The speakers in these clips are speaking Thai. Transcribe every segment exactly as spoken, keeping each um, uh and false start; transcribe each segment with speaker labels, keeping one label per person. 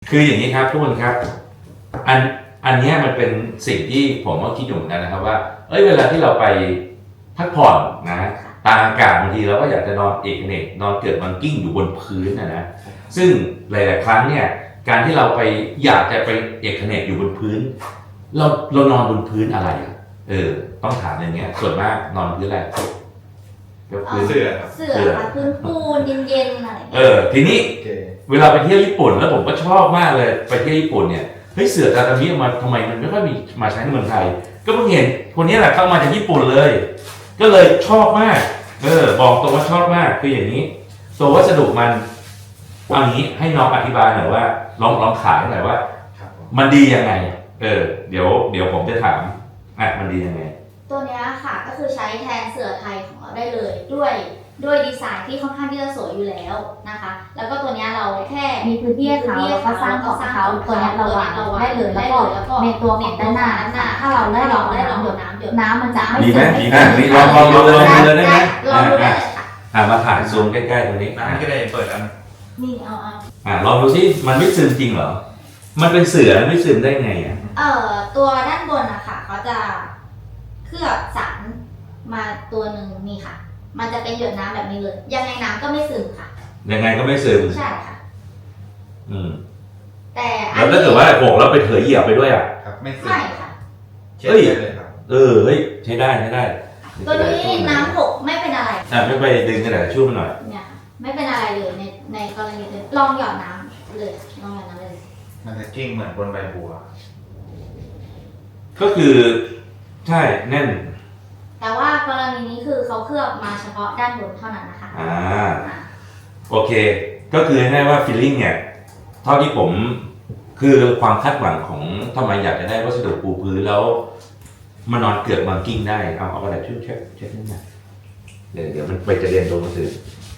Speaker 1: คืออย่างนี้ครับทุกคนครับอันอันนี้มันเป็นสิ่งที่ผมก็คิดอยู่เหมือนกันนะครับว่าเอ้ยเวลาที่เราไปพักผ่อนนะตากอากาศบางทีเราก็อยากจะนอนเอกเนกนอนเกิดมันกิ้งอยู่บนพื้นนะนะซึ่งหลายๆครั้งเนี่ยการที่เราไปอยากจะไปเอกเนกอยู่บนพื้นเราเรานอนบนพื้นอะไรเออต้องถามอย่างเงี้ยส่วนมากนอนพื้นอะไร
Speaker 2: พื้นเสื่อครับ
Speaker 3: เสื่อค่ะพื้นปูนเย็นๆอะไร
Speaker 1: เออทีนี้เวลาไปเที่ยวญี่ปุ่นแล้วผมก็ชอบมากเลยไปเที่ยวญี่ปุ่นเนี่ยเฮ้ยเสื่อตาตามิมาทำไมมันไม่ค่อยมีมาใช้ในเมืองไทยก็เพิ่งเห็นคนนี้แหละเข้ามาจากญี่ปุ่นเลย ก็เลยชอบมากเออบอกตรงว่าชอบมากคืออย่างนี้ตัววัสดุมันเอางี้ให้น้องอธิบายหน่อยว่าลองลองขายหน่อยว่ามันดียังไงเออเดี๋ยวเดี๋ยวผมจะถามอ่ะมันดียังไง
Speaker 3: ตัวนี้ค่ะก็คือใช้แทนเสื่อไทยของเราได้เลยด้วยด้วยดีไซน์ที่ค่อนข้างที่จะสวยอยู่แล้วนะคะแล้วก็ตัวนี้เราแค่
Speaker 4: มีพื้นที่เขาแล้วก็สร้างของเขาตัวนี้เราวางได้เลยแล้วก็ในตัวของด้านหน้าถ้าเราได้ลองได้ลองหยดน้ำหยดน้ำมันจะไม่
Speaker 1: ดีไหมดีไหมนี่ลองลองลองลองเลยได้ไหมอ่ามาถ่ายซูมใกล้ๆตรงนี้
Speaker 2: น้ำก็ได้เปิดอัน
Speaker 3: นี่เอาเอา
Speaker 1: อ่าลองดูสิมันไม่ซึมจริงเหรอมันเป็นเสื่อไม่ซึมได้ไงอ่ะ
Speaker 3: เอ่อตัวด้านบนอะค่ะเขาจะเคลือบสารมาตัวหนึ่งนี่ค่ะมันจะเป็นหยดน้ำแบบนี้เลยยังไงน้ำก็ไม่ซึมค่ะ
Speaker 1: ยังไงก็ไม่ซึม
Speaker 3: ใช่ค่ะ
Speaker 1: อืม
Speaker 3: แต่
Speaker 1: แล้วถ้าเกิดว่าโขกแล้วไปเถยเหยียบไปด้วยอ่ะ
Speaker 2: ครับไม่ซึม
Speaker 3: ใช่ค่ะ
Speaker 2: เฮ้ยเลยครับ
Speaker 1: เออเฮ้ยใช้ได้ใช้ได้
Speaker 3: ตัวนี้น้ำหกไม่เป็นอะไร
Speaker 1: อ่ะไม่ไปดึงกระดาษช่วยมันหน่อย
Speaker 3: เนี่ยไม่เป็นอะไรเลยในในกรณีเลยลองหยอดน้ำเลยลองหยอดน้ำเลย
Speaker 2: มันจะกิ้งเหมือนบนใบบัว
Speaker 1: ก็คือใช่แน่น
Speaker 3: แต่ว่ากรณีนี้คือเขาเคลือบมาเฉพาะด้านบนเท่านั้นนะคะ
Speaker 1: อ่าโอเคก็คือให้ว่าฟีลลิ่งเนี่ยเท่าที่ผมคือความคาดหวังของทำไมอยากจะได้วัสดุปูพื้นแล้วมานอนเกือบมากิ้งได้เอาเอาอะไรช่วยเช็ดเช็ดนิดหน่อยเดี๋ยวเดี๋ยวมันไปจะเรียนตัวหนังสือ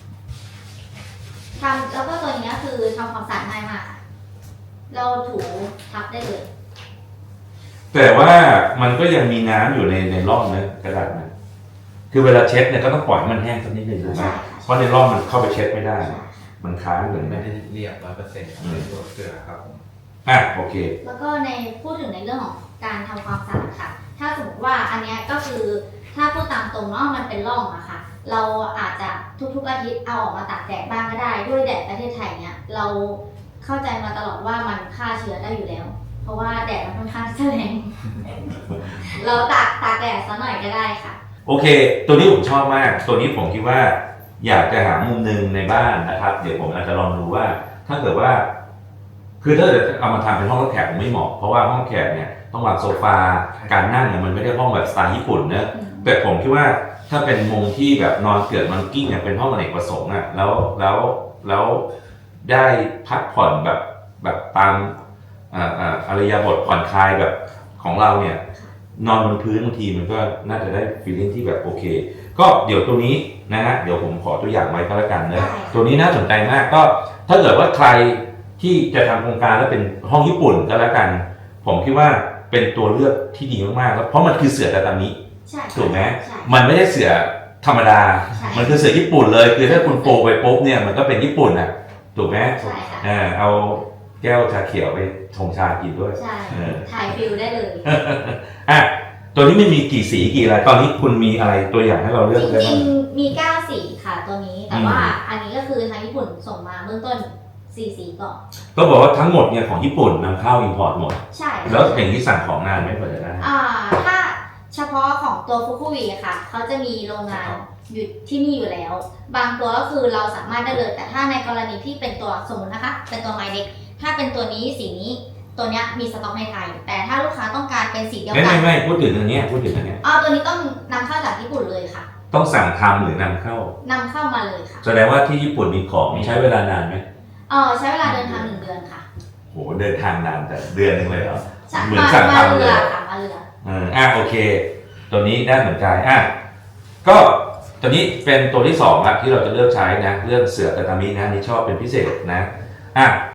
Speaker 3: ทำแล้วก็ตัวนี้คือทำความสะอาดง่ายมากเราถูทับได้เลย
Speaker 1: แต่ว่ามันก็ยังมีน้ำอยู่ในในร่องนะกระดาษนะคือเวลาเช็ดเนี่ยก็ต้องปล่อยมันแห้งสักนิดหนึ่งถูกไหมเพราะในร่องมันเข้าไปเช็ดไม่ได้มันค้างเหมือน
Speaker 2: ไม่ได้เรียบร้อยเปอร์เซ็นต์ในตัวเกลือครับผม
Speaker 1: อ่ะโอเค
Speaker 3: แล้วก็ในพูดถึงในเรื่องของการทำความสะอาดค่ะถ้าสมมติว่าอันนี้ก็คือถ้าพูดตามตรงเนาะมันเป็นร่องอะค่ะเราอาจจะทุกๆอาทิตย์เอาออกมาตากแดดบ้างก็ได้ด้วยแดดประเทศไทยเนี่ยเราเข้าใจมาตลอดว่ามันฆ่าเชื้อได้อยู่แล้วเพราะว่าแดดมันค่อนข้างแรงเราตากตากแดดซะหน่อยก็ได้ค่ะ
Speaker 1: โอเคตัวนี้ผมชอบมากตัวนี้ผมคิดว่าอยากจะหามุมหนึ่งในบ้านนะครับเดี๋ยวผมอาจจะลองดูว่าถ้าเกิดว่าคือถ้าเกิดเอามาทำเป็นห้องรับแขกผมไม่เหมาะเพราะว่าห้องแขกเนี่ยต้องวางโซฟาการนั่งเนี่ยมันไม่ได้ห้องแบบสไตล์ญี่ปุ่นนะแต่ผมคิดว่าถ้าเป็นมุมที่แบบนอนเกิดมันกิ้งเนี่ยเป็นห้องอเนกประสงค์อ่ะแล้วแล้วแล้วได้พักผ่อนแบบแบบตามอ่าอ่าอารยบทผ่อนคลายแบบของเราเนี่ยนอนบนพื้นบางทีมันก็น่าจะได้ฟีลลิ่งที่แบบโอเคก็เดี๋ยวตัวนี้นะฮะเดี๋ยวผมขอตัวอย่างไว้ก็แล้วกันนะตัวนี้น่าสนใจมากก็ถ้าเกิดว่าใครที่จะทำโครงการแล้วเป็นห้องญี่ปุ่นก็แล้วกันผมคิดว่าเป็นตัวเลือกที่ดีมากๆแล้วเพราะมันคือเสื่อตาตามิถูกไหมมันไม่ใช่เสื่อธรรมดามันคือเสื่อญี่ปุ่นเลยคือถ้าคุณโปรไปปุ๊บเนี่ยมันก็เป็นญี่ปุ่นอ่ะถูกไหมอ่าเอาแก้วชาเขียวไปชงชากินด้วย
Speaker 3: ใช่ถ่ายฟิลได้เลย
Speaker 1: อ่ะตัวนี้ไม่มีกี่สีกี่อะไรตอนนี้คุณมีอะไรตัวอย่างให้เราเลือก
Speaker 3: จริงๆมีเก้าสีค่ะตัวนี้แต่ว่าอันนี้ก็คือทางญี่ปุ่นส่งมาเบื้องต้นสี่สีก่อน
Speaker 1: ก็บอกว่าทั้งหมดเนี่ยของญี่ปุ่นนำเข้าอินพอร์ตหมด
Speaker 3: ใช่
Speaker 1: แล้วอย่างที่สั่งของงานไม่พอจะได้
Speaker 3: อ่าถ้าเฉพาะของตัวฟุกุวิค่ะเขาจะมีโรงงานอยู่ที่นี่อยู่แล้วบางตัวก็คือเราสามารถได้เลยแต่ถ้าในกรณีที่เป็นตัวสมมตินะคะเป็นตัวไมเด็กถ้าเป็นตัวนี้สีนี้ตัวนี้มีสต็อกในไทยแต่ถ้าลูกค้าต้องการเป็นสีเดียวกัน
Speaker 1: ไม่ไม่ไม่พูดถึงอันนี้พูดถึงอันนี้
Speaker 3: อ๋อตัวนี้ต้องนำเข้าจากญี่ปุ่นเลยค่ะ
Speaker 1: ต้องสั่งทำหรือนำเข้าน
Speaker 3: ำเข้ามาเลยค่ะ
Speaker 1: แสดงว่าที่ญี่ปุ่นมีของใช้เวลานานไหม
Speaker 3: เออใช้เวลาเดินทางหนึ่งเดือนค่ะ
Speaker 1: โหเดินทางนานแต่เดือนหนึ่งเลยเหรอ
Speaker 3: เหมือนสั่งทำเลยค่ะมาเรือ
Speaker 1: อ่าอ่ะโอเคตัวนี้น่าสนใจอ่ะก็ตัวนี้เป็นตัวที่สองละที่เราจะเลือกใช้นะเรื่องเสื่อตาตามินะนี่ชอบเป็นพิเศษนะอ่ะ